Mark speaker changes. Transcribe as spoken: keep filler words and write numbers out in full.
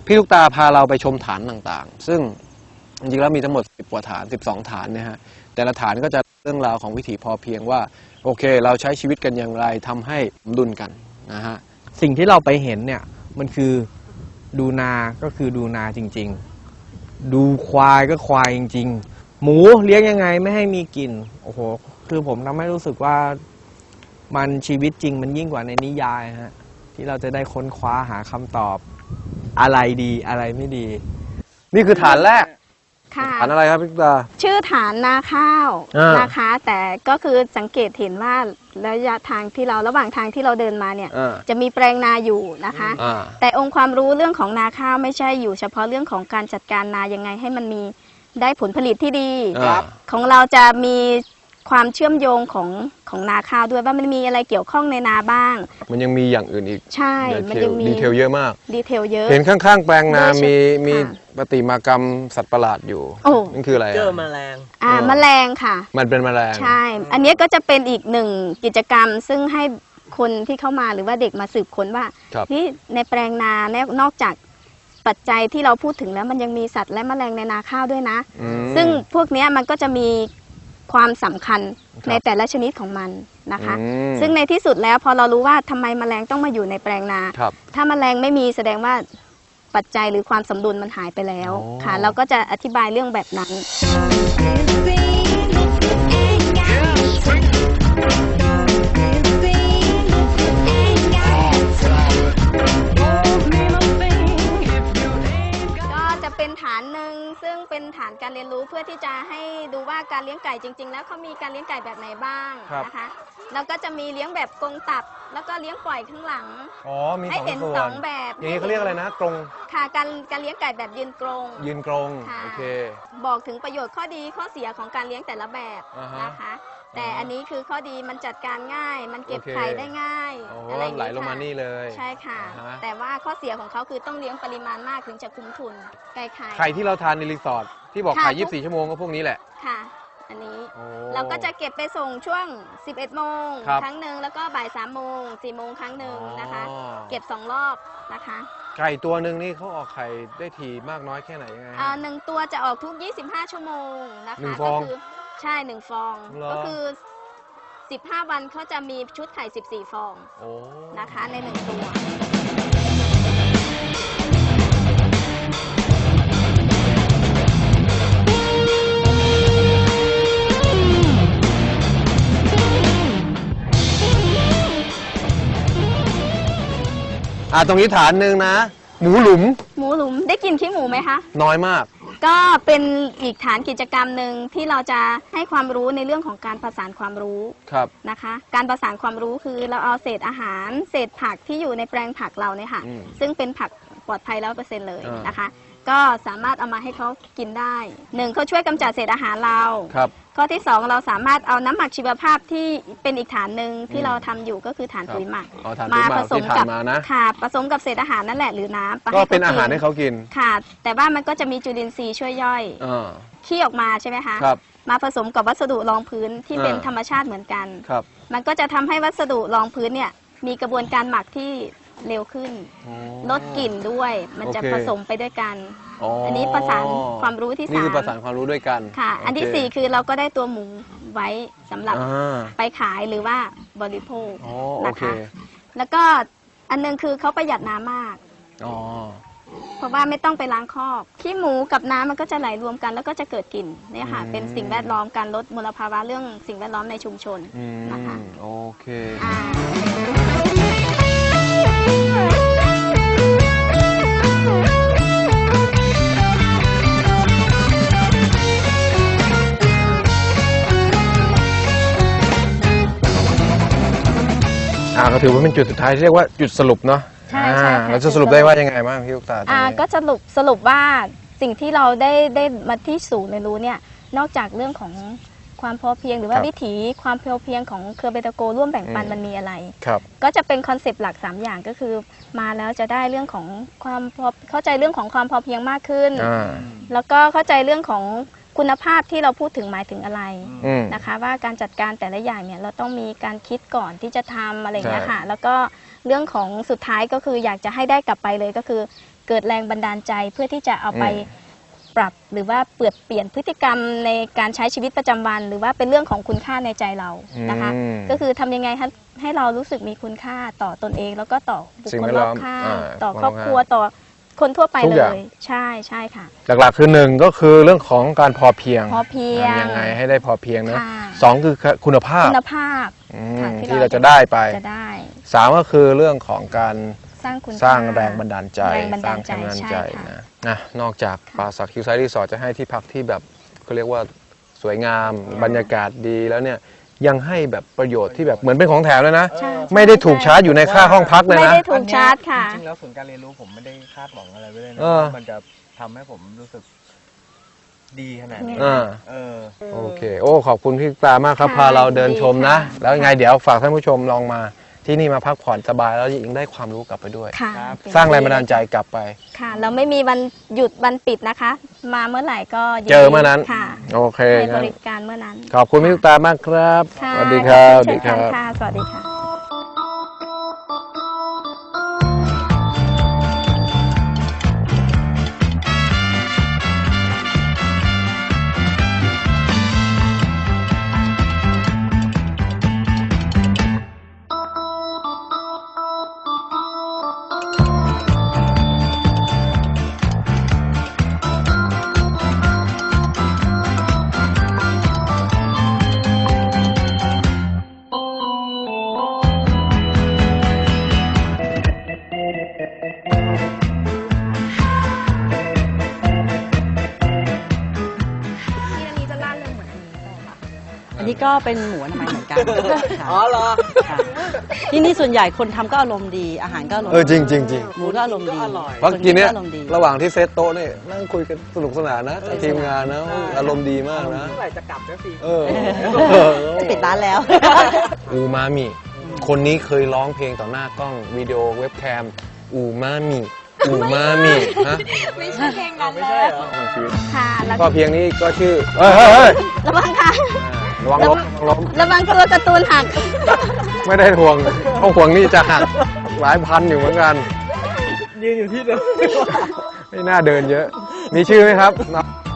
Speaker 1: พี่ลูกตาพาเราไปชมฐานต่างๆซึ่งจริงๆแล้วมีทั้งหมดสิบกว่าฐานสิบสองฐานนะฮะแต่ละฐานก็จะเรื่องราวของวิถีพอเพียงว่าโอเคเราใช้ชีวิตกันอย่างไรทำให้สมดุลกันนะฮะ
Speaker 2: สิ่งที่เราไปเห็นเนี่ยมันคือดูนาก็คือดูนาจริงๆดูควายก็ควายจริงๆหมูเลี้ยงยังไงไม่ให้มีกลิ่นโอ้โหคือผมทำให้รู้สึกว่ามันชีวิตจริงมันยิ่งกว่าในนิยายฮะที่เราจะได้ค้นคว้าหาคำตอบอะไรดีอะไรไม่ดี
Speaker 1: นี่คือฐานแรก
Speaker 3: ค่ะ
Speaker 1: ฐานอะไรครับพี่ตา
Speaker 3: ชื่อฐานนาข้าวนะคะแต่ก็คือสังเกตเห็นว่าระยะทางที่เราระหว่างทางที่เราเดินมาเนี่ยจะมีแปลงนาอยู่นะคะแต่องค์ความรู้เรื่องของนาข้าวไม่ใช่อยู่เฉพาะเรื่องของการจัดการนายังไงให้มันมีได้ผลผลิตที่ดีของเราจะมีความเชื่อมโยงของของนาข้าวด้วยว่ามันมีอะไรเกี่ยวข้องในนาบ้าง
Speaker 1: มันยังมีอย่างอื่นอีก
Speaker 3: ใช่มันยังมี
Speaker 1: ดีเทลเยอะมาก
Speaker 3: ดีเทลเยอะ
Speaker 1: เห็นข้างๆแปลงนามีมีปฏิมากรรมสัตว์ประหลาดอยู่นั่นคืออะไร
Speaker 2: เจอแมลง
Speaker 3: อ่าแมลงค่ะ
Speaker 1: มันเป็นแมลง
Speaker 3: ใช่อันนี้ก็จะเป็นอีกหนึ่งกิจกรรมซึ่งให้คนที่เข้ามาหรือว่าเด็กมาสืบค้นว่าที่ในแปลงนาเนี่ยนอกจากปัจจัยที่เราพูดถึงแล้วมันยังมีสัตว์และแมลงในนาข้าวด้วยนะซึ่งพวกนี้มันก็จะมีความสำคัญในแต่ละชนิดของมันนะคะซึ่งในที่สุดแล้วพอเรารู้ว่าทำไมแมลงต้องมาอยู่ในแปลงนาถ้าแมลงไม่มีแสดงว่าปัจจัยหรือความสมดุลมันหายไปแล้วค่ะเราก็จะอธิบายเรื่องแบบนั้นเป็นฐานหนึ่งซึ่งเป็นฐานการเรียนรู้เพื่อที่จะให้ดูว่าการเลี้ยงไก่จริงๆแล้วเขามีการเลี้ยงไก่แบบไหนบ้างนะคะแล้วก็จะมีเลี้ยงแบบกรงตับแล้วก็เลี้ยงปล่อยข้างหลัง
Speaker 1: อ๋อมี
Speaker 3: ให้เห็นสองแบบ
Speaker 1: อย่างนี้เขาเรียกอะไรนะกรง
Speaker 3: ค่ะการการเลี้ยงไก่แบบยืนกรง
Speaker 1: ยืนกรงโอเค
Speaker 3: บอกถึงประโยชน์ข้อดีข้อเสียของการเลี้ยงแต่ละแบบนะคะแต่อันนี้คือข้อดีมันจัดการง่ายมันเก็บไข่ได้ง่าย
Speaker 1: อะไรไหลลงมานี่เลย
Speaker 3: ใช่ค่ะแต่ว่าข้อเสียของเขาคือต้องเลี้ยงปริมาณมากถึงจะคุ้มทุนไก่ไข่
Speaker 1: ไข่ที่เราทานในรีสอร์ทที่บอกไข่ยี่สิบสี่ชั่วโมงก็พวกนี้แหละ
Speaker 3: ค่ะอันนี้เราก็จะเก็บไปส่งช่วงสิบเอ็ดโมงครั้งหนึ่งแล้วก็บ่ายสามโมงสี่โมงครั้งหนึ่งนะคะเก็บสองรอบนะคะ
Speaker 1: ไก่ตัวหนึ่งนี่เขาออกไข่ได้ทีมากน้อยแค่ไหนยังไง
Speaker 3: อ่าหนึ่งตัวจะออกทุกยี่สิบห้าชั่วโมงนะคะ
Speaker 1: ก็
Speaker 3: คือใช่หนึ่งฟองก็คือสิบห้าวันเขาจะมีชุดไข่สิบสี่ฟองนะคะในหนึ่งตัว
Speaker 1: อ่าตรงนี้ฐานหนึ่งนะหมูหลุม
Speaker 3: หมูหลุมได้กินขี้หมูไหมคะ
Speaker 1: น้อยมาก
Speaker 3: ก็เป็นอีกฐานกิจกรรมหนึ่งที่เราจะให้ความรู้ในเรื่องของการประสานความรู้นะคะการประสานความรู้คือเราเอาเศษอาหารเศษผักที่อยู่ในแปลงผักเราเนี่ยค่ะซึ่งเป็นผักปลอดภัยร้อยเปอร์เซ็นต์เลยนะคะก็สามารถเอามาให้เขากินได้หนึ่งเขาช่วยกำจัดเศษอาหารเราข้อที่สองเราสามารถเอาน้ำหมักชีวภาพที่เป็นอีกฐานหนึ่งที่เราทำอยู่ก็คือฐานปุ๋ยหมัก
Speaker 1: มาผสมกับ
Speaker 3: ค่ะผสมกับเศษอาหารนั่นแหละหรือน้ำ
Speaker 1: ก็เป็นอาหารให้เขากิน
Speaker 3: ค่ะแต่ว่ามันก็จะมีจุลินทรีย์ช่วยย่อยขี้ออกมาใช่ไหมคะมาผสมกับวัสดุรองพื้นที่เป็นธรรมชาติเหมือนกันมันก็จะทำให้วัสดุรองพื้นเนี่ยมีกระบวนการหมักที่เร็วขึ้นลดกลิ่นด้วยมันจะผสมไปด้วยกันอันนี้ประสานความรู้ที่สาม
Speaker 1: นี่คือประสานความรู้ด้วยกัน
Speaker 3: ค่ะอันที่สี่คือเราก็ได้ตัวหมูไว้สำหรับไปขายหรือว่าบริโภคนะคะแล้วก็อันนึงคือเขาประหยัดน้ำมากเพราะว่าไม่ต้องไปล้างคอกขี้หมูกับน้ำมันก็จะไหลรวมกันแล้วก็จะเกิดกลิ่นเนี่ยค่ะเป็นสิ่งแวดล้อมการลดมลภาวะเรื่องสิ่งแวดล้อมในชุมชนนะคะ
Speaker 1: โอเคอ่าก็ถือว่าเป็นจุดสุดท้ายที่เรียกว่าจุดสรุปเนาะ
Speaker 3: ใช่ใช่
Speaker 1: เราจะสรุปได้ว่ายังไงบ้างพี่ลูกตา
Speaker 3: อ่าก็สรุปสรุปว่าสิ่งที่เราได้ได้มาที่ศูนย์เรียนรู้เนี่ยนอกจากเรื่องของความพอเพียงหรือว่าวิถีความพอเพียงของเครือเบตาโกร่วมแบ่งปันมันมีอะไรก็จะเป็นคอนเซปต์หลักสามอย่างก็คือมาแล้วจะได้เรื่องของความพอเข้าใจเรื่องของความพอเพียงมากขึ้นแล้วก็เข้าใจเรื่องของคุณภาพที่เราพูดถึงหมายถึงอะไรนะคะว่าการจัดการแต่ละอย่างเนี่ยเราต้องมีการคิดก่อนที่จะทำอะไรอย่างเงี้ยค่ะแล้วก็เรื่องของสุดท้ายก็คืออยากจะให้ได้กลับไปเลยก็คือเกิดแรงบันดาลใจเพื่อที่จะเอาไป
Speaker 1: อืม
Speaker 3: ปรับหรือว่าเปลี่ยนเปลี่ยนพฤติกรรมในการใช้ชีวิตประจำวัน หรือว่าเป็นเรื่องของคุณค่าในใจเรานะคะ
Speaker 1: อืม
Speaker 3: ก็คือทำยังไงให้ให้เรารู้สึกมีคุณค่าต่อตนเอง แล้วก็ต่อบุค
Speaker 1: สิ่ง
Speaker 3: ค
Speaker 1: แว
Speaker 3: ล
Speaker 1: ด
Speaker 3: ร
Speaker 1: ล้
Speaker 3: อ
Speaker 1: อบ ม
Speaker 3: ข้าง
Speaker 1: อ่า
Speaker 3: ต่อ
Speaker 1: คน
Speaker 3: คร
Speaker 1: ร
Speaker 3: อ
Speaker 1: อ
Speaker 3: บบ
Speaker 1: ข้าง
Speaker 3: ครัวต่อคนทั่วไป
Speaker 1: ทุก
Speaker 3: เล
Speaker 1: อย่าง
Speaker 3: ย ใช่ใช่ค่ะ
Speaker 1: หลักๆคือหนึ่งก็คือเรื่องของการพอเพียง
Speaker 3: พอเพียง
Speaker 1: ทำยังไงให้ได้พอเพียงนะ
Speaker 3: ค่ะ
Speaker 1: สองคือคุณภาพ
Speaker 3: คุณภาพ
Speaker 1: อืม
Speaker 3: ค่ะ
Speaker 1: ที่เราจะได้ไป
Speaker 3: จะได้
Speaker 1: สามก็คือเรื่องของการ
Speaker 3: สร้างคุณ
Speaker 1: สร้าง
Speaker 3: ค่
Speaker 1: แรงบันดาลใจ
Speaker 3: แรงบัน
Speaker 1: สร้า
Speaker 3: ดาง ลใจ
Speaker 1: แรงบันดาล
Speaker 3: ใช่
Speaker 1: ใจ
Speaker 3: ค่ะ
Speaker 1: นะนะนอกจาก
Speaker 3: ค่ะ
Speaker 1: ป่าสักคิวไซด์รีสอร์ทจะให้ที่พักที่แบบเขาเรียกว่าสวยงามบรรยากาศดีแล้วเนี่ยยังให้แบบประโยชน์ที่แบบเหมือนเป็นของแถมเลยนะ
Speaker 3: ใช่
Speaker 1: ไม่ได้ถูกชาร์จอยู่ในค่าห้องพักเลย
Speaker 3: ไม่
Speaker 1: นะ
Speaker 3: ได้ถูกชาร์จค่ะ
Speaker 2: จริงๆแล้วศูนย์การเรียนรู้ผมไม่ได้คาดหวังอะไรไว้เลยนะ
Speaker 1: เออ
Speaker 2: ว่ามันจะทำให้ผมรู้สึกดีขนาดนี้
Speaker 1: อ่า
Speaker 2: เออ
Speaker 1: โอเค โอ้ขอบคุณพี่ปลามากครับ
Speaker 3: ค่ะ
Speaker 1: พาเราเดินชมนะ
Speaker 3: ดีค่ะ
Speaker 1: แล้วยังไงเดี๋ยวฝากท่านผู้ชมลองมาที่นี่มาพักผ่อนสบายแล้วยังได้ความรู้กลับไปด้วย
Speaker 3: ค่ะ
Speaker 2: ครับ
Speaker 3: เป็น
Speaker 1: สร้างแรงบันดาลใจกลับไป
Speaker 3: ค่ะ เราไม่มีวันหยุดวันปิดนะคะ มาเมื่อไหร่ก็ยิดี
Speaker 1: เจอเมื่อนั้น
Speaker 3: ค่ะ
Speaker 1: โอเค
Speaker 3: ให้บ
Speaker 1: งั้น
Speaker 3: ริการเมื่อนั้น
Speaker 1: ขอบคุณพี่ตุ๊กตามากครับ
Speaker 3: ค่ะ
Speaker 1: สวัสดีครับ
Speaker 3: ขอณเช่นกัน
Speaker 1: บ
Speaker 3: ค่ะ สวัสดีค่ะ ที่อันนี้จะล่าเริงเหมือนอันนี้เลยค่ะ
Speaker 4: อันนี้ก็เป็นหมูอนามัยเหมือนกัน
Speaker 2: อ๋อเหรอ
Speaker 4: ค่ะที่นี่ส่วนใหญ่คนทำก็อารมณ์ดี อาหารก็อารมณ์
Speaker 1: เออจริงจริงจริง
Speaker 4: หมูก็อารมณ์ดี
Speaker 2: ก็อร่อย
Speaker 1: เพราะกินเนี้ย
Speaker 4: คอารมณ์ดี
Speaker 1: ระหว่างที่เซตโต๊ะเนี่ยนั่งคุยกันสนุกสนานนะกับทีมงานนะอารมณ์ดีมากนะ
Speaker 2: เมื่อไหร่จะกลับนะสิ
Speaker 1: เออ
Speaker 4: จะปิดร้านแล้ว
Speaker 1: อูมามิ คนนี้เคยร้องเพลงต่อหน้ากล้องวิดีโอเว็บแคมอูมามิอูมามิฮะ
Speaker 3: ไม่ใช่เพลงนั้น
Speaker 2: ไม่
Speaker 3: แล้
Speaker 2: ใช่
Speaker 3: ว
Speaker 2: เหรอ
Speaker 3: ค่ะ แล้ว
Speaker 1: ก็เพียงนี้ก็ชื่อเฮ้ยเฮ้ยเฮ้ย
Speaker 3: ระวังค่ะ
Speaker 1: ระวังล้มระวังล้ม
Speaker 3: ระวังตัวการ์ตูนหัก
Speaker 1: ไม่ได้ห่วงเพราะห่วงนี่จะหักหลายพันอยู่เหมือนกัน
Speaker 2: ยืนอยู่ที่เดิม
Speaker 1: ไม่น่าเดินเยอะ มีชื่อไหมครับ